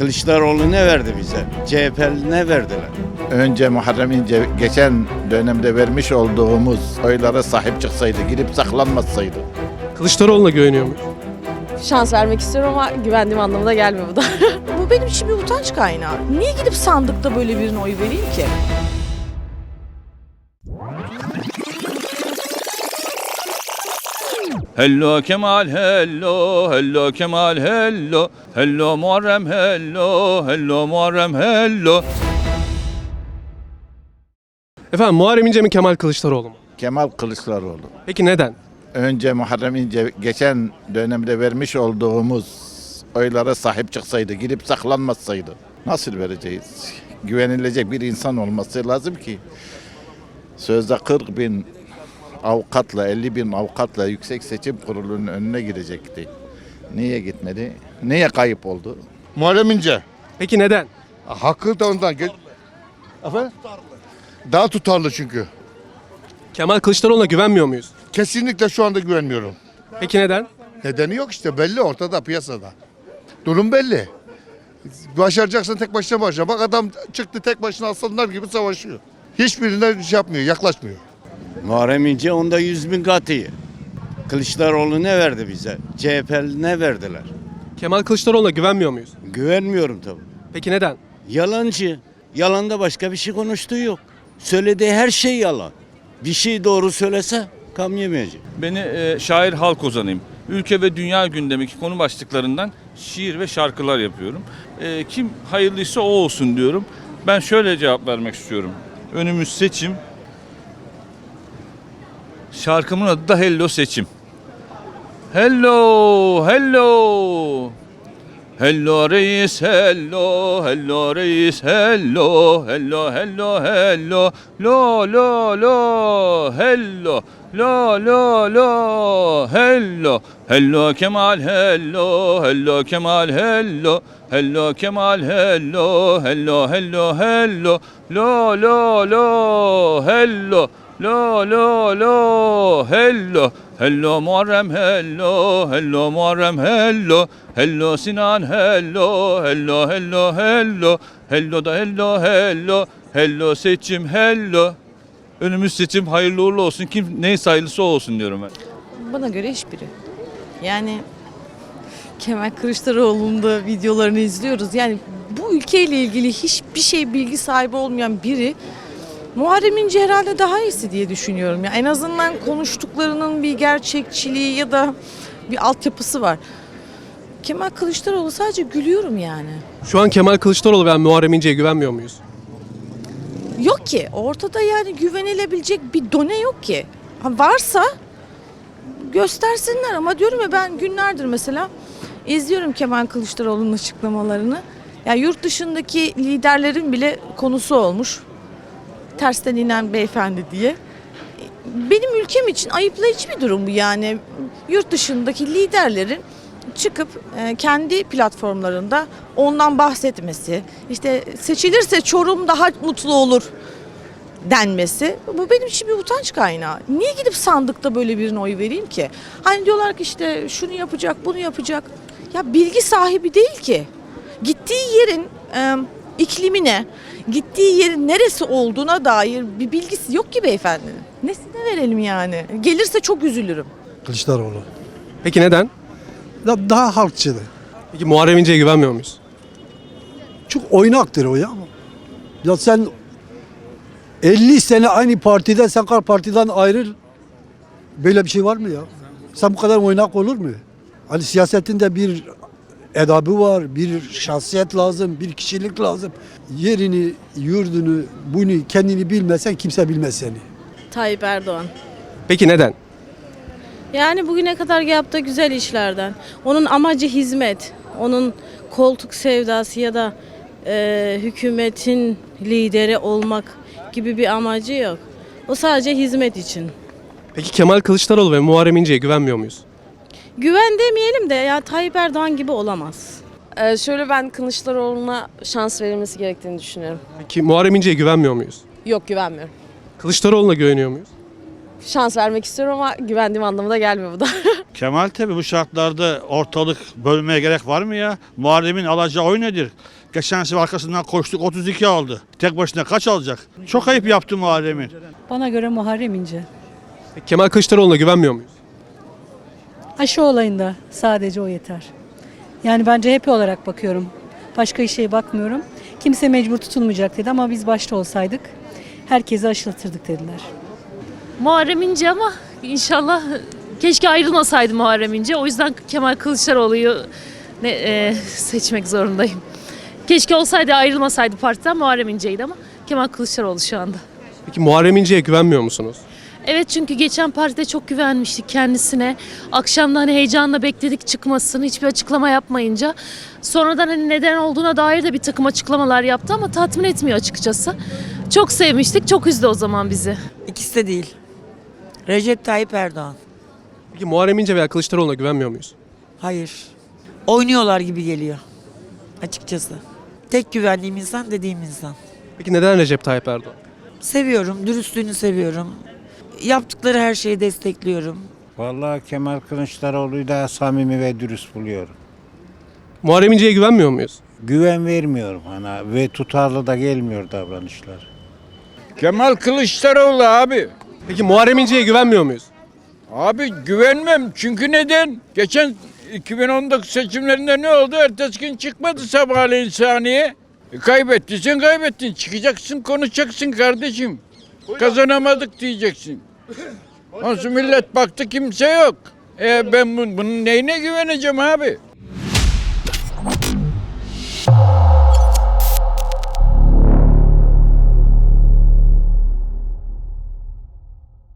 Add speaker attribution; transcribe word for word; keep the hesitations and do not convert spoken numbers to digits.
Speaker 1: Kılıçdaroğlu ne verdi bize? C H P'li ne verdiler?
Speaker 2: Önce Muharrem İnce geçen dönemde vermiş olduğumuz oylara sahip çıksaydı, gidip saklanmasaydı.
Speaker 3: Kılıçdaroğlu'na güveniyor muyuz?
Speaker 4: Şans vermek istiyorum ama güvendiğim anlamına gelmiyor bu da. Bu benim için bir utanç kaynağı. Niye gidip sandıkta böyle birine oy vereyim ki?
Speaker 5: Hello Kemal hello, hello Kemal hello, hello Muharrem hello, hello Muharrem hello.
Speaker 3: Efendim Muharrem İnce mi Kemal Kılıçdaroğlu mu?
Speaker 2: Kemal Kılıçdaroğlu.
Speaker 3: Peki neden?
Speaker 2: Önce Muharrem İnce geçen dönemde vermiş olduğumuz oylara sahip çıksaydı, gidip saklanmasaydı. Nasıl vereceğiz? Güvenilecek bir insan olması lazım ki. Sözde kırk bin avukatla, elli bin avukatla Yüksek Seçim Kurulu'nun önüne girecekti. Niye gitmedi? Niye kayıp oldu?
Speaker 6: Muharrem İnce.
Speaker 3: Peki neden?
Speaker 6: Hakkı da ondan. Ge- Efendim? Daha tutarlı çünkü.
Speaker 3: Kemal Kılıçdaroğlu'na güvenmiyor muyuz?
Speaker 6: Kesinlikle şu anda güvenmiyorum.
Speaker 3: Peki neden?
Speaker 6: Nedeni yok işte, belli ortada, piyasada. Durum belli. Başaracaksın, tek başına başla. Bak adam çıktı, tek başına aslanlar gibi savaşıyor. Hiçbirine şey yapmıyor, yaklaşmıyor.
Speaker 1: Muharrem İnce onda yüz bin katı iyi. Kılıçdaroğlu ne verdi bize? C H P'li ne verdiler?
Speaker 3: Kemal Kılıçdaroğlu'na güvenmiyor muyuz?
Speaker 1: Güvenmiyorum tabii.
Speaker 3: Peki neden?
Speaker 1: Yalancı. Yalanda başka bir şey konuştuğu yok. Söylediği her şey yalan. Bir şey doğru söylese kam yemeyecek.
Speaker 5: Beni e, şair halk ozanıyım. Ülke ve dünya gündemindeki konu başlıklarından şiir ve şarkılar yapıyorum. E, kim hayırlıysa o olsun diyorum. Ben şöyle cevap vermek istiyorum. Önümüz seçim. Şarkımın adı da Hello Seçim. Hello, hello. Hello reis, hello, hello reis, hello, hello, hello, hello, lo, lo, lo, hello, lo, lo, lo, hello, hello Kemal, hello, hello Kemal, hello, hello Kemal, hello, hello, hello, hello, lo, lo, lo, hello, lo, lo, lo, hello, hello Muharrem, hello, hello Muharrem, hello, hello Sinan, hello, hello, hello, hello, hello da hello, hello, hello seçim, hello. Önümüz seçim, hayırlı uğurlu olsun. Kim neyse hayırlısı o olsun diyorum ben.
Speaker 4: Bana göre hiçbiri. Yani Kemal Kılıçdaroğlu'nun da videolarını izliyoruz. Yani bu ülkeyle ilgili hiçbir şey bilgi sahibi olmayan biri Muharrem İnce herhalde daha iyisi diye düşünüyorum. Yani en azından konuştuklarının bir gerçekçiliği ya da bir altyapısı var. Kemal Kılıçdaroğlu sadece gülüyorum yani.
Speaker 3: Şu an Kemal Kılıçdaroğlu ve Muharrem İnce'ye güvenmiyor muyuz?
Speaker 4: Yok ki ortada yani güvenilebilecek bir done yok ki. Ha, varsa göstersinler ama diyorum ya ben günlerdir mesela izliyorum Kemal Kılıçdaroğlu'nun açıklamalarını. Ya yurt dışındaki liderlerin bile konusu olmuş. Tersten inen beyefendi diye. Benim ülkem için ayıplayıcı bir durum bu yani. Yurt dışındaki liderlerin çıkıp e, kendi platformlarında ondan bahsetmesi, işte seçilirse Çorum daha mutlu olur denmesi. Bu benim için bir utanç kaynağı. Niye gidip sandıkta böyle birine oy vereyim ki? Hani diyorlar ki işte şunu yapacak, bunu yapacak. Ya bilgi sahibi değil ki. Gittiği yerin e, iklimine, gittiği yerin neresi olduğuna dair bir bilgisi yok ki beyefendinin. Nesine verelim yani? Gelirse çok üzülürüm.
Speaker 7: Kılıçdaroğlu.
Speaker 3: Peki neden?
Speaker 7: Da- Daha halkçılı.
Speaker 3: Peki Muharrem İnce'ye güvenmiyor muyuz?
Speaker 7: Çok oynaktır o ya. Ya sen elli sene aynı partiden, sen kar partiden ayrıl. Böyle bir şey var mı ya? Sen bu kadar oynak olur mu? Hani siyasetinde bir edabı var, bir şahsiyet lazım, bir kişilik lazım. Yerini, yurdunu, bunu kendini bilmesen kimse bilmez seni.
Speaker 8: Tayyip Erdoğan.
Speaker 3: Peki neden?
Speaker 8: Yani bugüne kadar yaptığı güzel işlerden. Onun amacı hizmet. Onun koltuk sevdası ya da e, hükümetin lideri olmak gibi bir amacı yok. O sadece hizmet için.
Speaker 3: Peki Kemal Kılıçdaroğlu ve Muharrem İnce'ye güvenmiyor muyuz?
Speaker 8: Güven demeyelim de ya Tayyip Erdoğan gibi olamaz.
Speaker 4: Ee, şöyle ben Kılıçdaroğlu'na şans verilmesi gerektiğini düşünüyorum.
Speaker 3: Peki Muharrem İnce'ye güvenmiyor muyuz?
Speaker 4: Yok güvenmiyorum.
Speaker 3: Kılıçdaroğlu'na güveniyor muyuz?
Speaker 4: Şans vermek istiyorum ama güvendiğim anlamına gelmiyor bu da.
Speaker 9: Kemal tabi bu şartlarda ortalık bölmeye gerek var mı ya? Muharrem'in alacağı oy nedir? Geçen sefer arkasından koştuk otuz iki aldı. Tek başına kaç alacak? Çok ayıp yaptı Muharrem'in.
Speaker 10: Bana göre Muharrem İnce.
Speaker 3: Peki Kemal Kılıçdaroğlu'na güvenmiyor muyuz?
Speaker 10: Aşı olayında sadece o yeter. Yani ben C H P olarak bakıyorum. Başka şeye bakmıyorum. Kimse mecbur tutulmayacak dedi ama biz başta olsaydık herkesi aşılatırdık dediler.
Speaker 11: Muharrem İnce ama inşallah keşke ayrılmasaydı Muharrem İnce. O yüzden Kemal Kılıçdaroğlu'yu ne, e, seçmek zorundayım. Keşke olsaydı ayrılmasaydı partiden Muharrem İnce'ydi ama Kemal Kılıçdaroğlu şu anda.
Speaker 3: Peki Muharrem İnce'ye güvenmiyor musunuz?
Speaker 11: Evet çünkü geçen partide çok güvenmiştik kendisine. Akşamda hani heyecanla bekledik çıkmasını hiçbir açıklama yapmayınca. Sonradan hani neden olduğuna dair de bir takım açıklamalar yaptı ama tatmin etmiyor açıkçası. Çok sevmiştik, çok üzdü o zaman bizi.
Speaker 12: İkisi de değil. Recep Tayyip Erdoğan.
Speaker 3: Peki Muharrem İnce veya Kılıçdaroğlu'na güvenmiyor muyuz?
Speaker 12: Hayır. Oynuyorlar gibi geliyor. Açıkçası. Tek güvendiğim insan dediğim insan.
Speaker 3: Peki neden Recep Tayyip Erdoğan?
Speaker 12: Seviyorum, dürüstlüğünü seviyorum. Yaptıkları her şeyi destekliyorum.
Speaker 13: Vallahi Kemal Kılıçdaroğlu'yu daha samimi ve dürüst buluyorum.
Speaker 3: Muharrem İnce'ye güvenmiyor muyuz?
Speaker 13: Güven vermiyorum ana ve tutarlı da gelmiyor davranışlar.
Speaker 14: Kemal Kılıçdaroğlu abi.
Speaker 3: Peki Muharrem İnce'ye güvenmiyor muyuz?
Speaker 14: Abi güvenmem çünkü neden? Geçen iki bin on dokuz seçimlerinde ne oldu? Ertesi gün çıkmadı sabahleyin sahneye. E, kaybettiysen kaybettin. Çıkacaksın konuşacaksın kardeşim. Kazanamadık diyeceksin. Nasıl millet baktı kimse yok. E ben bunun neyine güveneceğim abi?